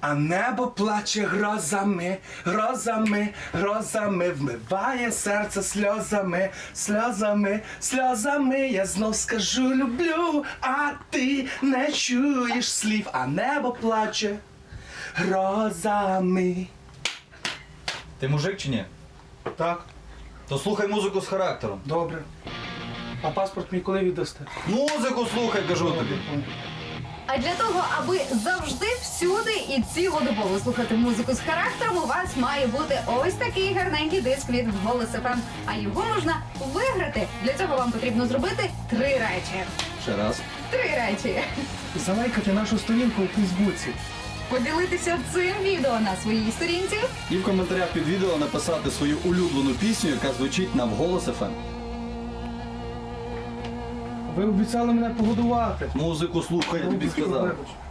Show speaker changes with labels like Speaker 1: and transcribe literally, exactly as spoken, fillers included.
Speaker 1: А небо плаче грозами, грозами, грозами, вмиває серце сльозами, сльозами, сльозами. Я знов скажу люблю, а ти не чуєш слів. А небо плаче грозами.
Speaker 2: Ти мужик чи ні?
Speaker 1: Так,
Speaker 2: То слухай музику з характером.
Speaker 1: добре. А паспорт мій коли віддасте?
Speaker 2: Музику слухай, кажу тобі.
Speaker 3: А для того, аби завжди, всюди і цілодобово слухати музику з характером, у вас має бути ось такий гарненький диск від Голос еф ем. А його можна виграти. Для цього вам потрібно зробити три речі.
Speaker 2: Ще раз.
Speaker 3: Три речі.
Speaker 1: Залайкати нашу сторінку у Фейсбуці.
Speaker 3: Поділитися цим відео на своїй сторінці.
Speaker 2: І в коментарях під відео написати свою улюблену пісню, яка звучить на Голос еф ем.
Speaker 1: Ви обіцяли мене погодувати.
Speaker 2: Музику слухай, я тобі
Speaker 1: Вибач,
Speaker 2: сказав.
Speaker 1: вибач.